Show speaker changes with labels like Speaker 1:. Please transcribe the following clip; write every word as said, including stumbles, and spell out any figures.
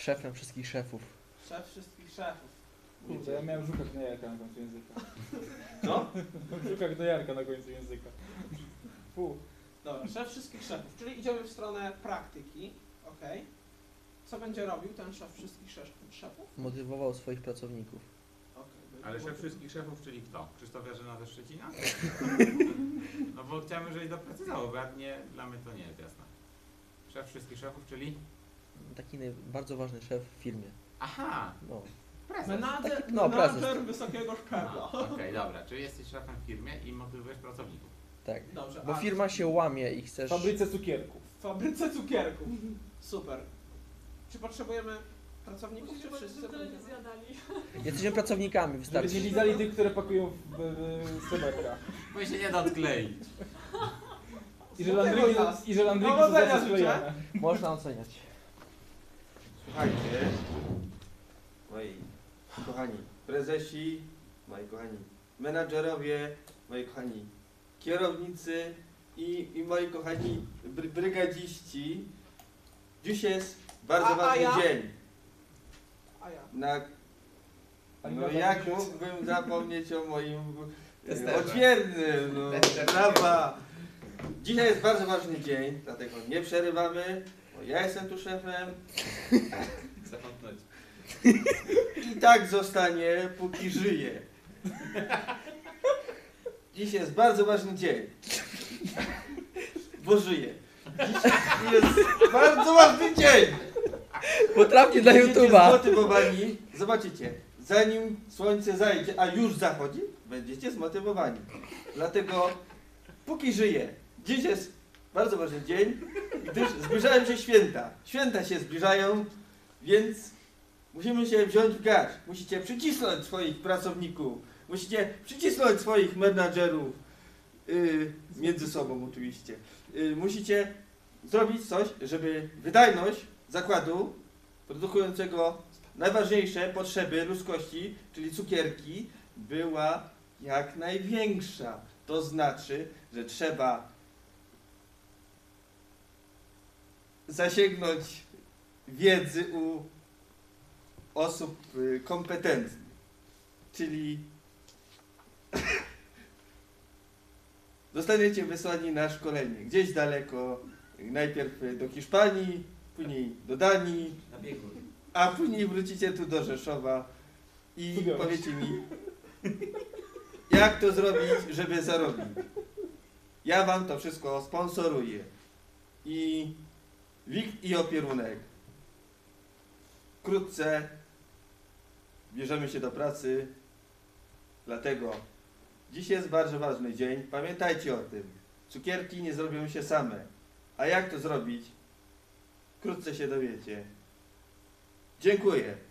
Speaker 1: szefem wszystkich szefów.
Speaker 2: Szef wszystkich szefów.
Speaker 3: Kurde, ja miałem żuka gnojarka na końcu języka.
Speaker 2: Co?
Speaker 3: Żuka gnojarka na końcu języka. Fu.
Speaker 2: Dobra, szef wszystkich szefów, czyli idziemy w stronę praktyki, ok. Co będzie robił ten szef wszystkich szef- szefów?
Speaker 1: Motywował swoich pracowników.
Speaker 2: Okay,
Speaker 4: Ale szef wszystkich szefów, czyli kto? Krzysztof Jarzyna ze Szczecina? No bo chciałem, żeby doprecyzował, bo ja nie, dla mnie to nie jest jasne. Szef wszystkich szefów, czyli?
Speaker 1: Taki naj- bardzo ważny szef w firmie.
Speaker 4: Aha!
Speaker 1: No.
Speaker 4: Prezes.
Speaker 2: Menadżer,
Speaker 1: Taki- no,
Speaker 2: menadżer
Speaker 1: prezes.
Speaker 2: wysokiego szczebla.
Speaker 4: A, Okej, dobra, czyli jesteś szefem w firmie i motywujesz pracowników.
Speaker 1: Tak.
Speaker 2: Dobrze,
Speaker 1: Bo
Speaker 2: a
Speaker 1: firma się łamie i
Speaker 3: W
Speaker 1: chcesz...
Speaker 3: fabryce cukierków.
Speaker 2: w fabryce cukierków. Super. Czy potrzebujemy pracowników, czy wszyscy
Speaker 5: Żeby tyle nie
Speaker 2: będziemy?
Speaker 5: zjadali.
Speaker 1: Jesteśmy pracownikami,
Speaker 3: Żeby
Speaker 1: wystarczy.
Speaker 3: nie lizali tych, które pakują w, w, w Semetra.
Speaker 4: Bo się nie da odkleić.
Speaker 3: I że landryki, i że landryki są
Speaker 2: Powodzenia
Speaker 3: zawsze
Speaker 2: życzę.
Speaker 3: sklejone.
Speaker 1: Można oceniać.
Speaker 6: Słuchajcie, moi kochani prezesi, moi kochani menadżerowie, moi kochani kierownicy i, i moi kochani bry, brygadziści. Dziś jest bardzo
Speaker 2: A- a
Speaker 6: ważny
Speaker 2: ja?
Speaker 6: dzień.
Speaker 2: A ja.
Speaker 6: Na,
Speaker 3: Pani
Speaker 6: no
Speaker 3: Marta,
Speaker 6: jak
Speaker 3: pisze-
Speaker 6: mógłbym zapomnieć o moim e,
Speaker 4: Testerze.
Speaker 6: odźwiernym, no,
Speaker 4: Testerze.
Speaker 6: brawa. Dzisiaj jest bardzo ważny dzień, dlatego nie przerywamy, bo ja jestem tu szefem.
Speaker 4: Zakątnąć.
Speaker 6: I tak zostanie, póki żyje. Dziś jest bardzo ważny dzień. Bo żyje. Dziś jest bardzo ważny dzień.
Speaker 1: Potrafię dla
Speaker 6: Będziecie
Speaker 1: YouTube'a.
Speaker 6: zmotywowani. Zobaczycie, zanim słońce zajdzie, a już zachodzi, będziecie zmotywowani. Dlatego, póki żyje, dziś jest bardzo ważny dzień, gdyż zbliżają się święta. Święta się zbliżają, więc musimy się wziąć w garść. Musicie przycisnąć swoich pracowników. Musicie przycisnąć swoich menadżerów. Yy, między sobą oczywiście. Yy, musicie zrobić coś, żeby wydajność zakładu produkującego najważniejsze potrzeby ludzkości, czyli cukierki, była jak największa. To znaczy, że trzeba zasięgnąć wiedzy u osób y, kompetentnych, czyli zostaniecie wysłani na szkolenie gdzieś daleko, najpierw do Hiszpanii, później do Danii,
Speaker 4: Na biegu.
Speaker 6: a później wrócicie tu do Rzeszowa i
Speaker 3: Studiować.
Speaker 6: powiecie mi, jak to zrobić, żeby zarobić. Ja wam to wszystko sponsoruję. I wikt i opierunek. Wkrótce bierzemy się do pracy, dlatego dziś jest bardzo ważny dzień. Pamiętajcie o tym. Cukierki nie zrobią się same. A jak to zrobić? Wkrótce się dowiecie. Dziękuję.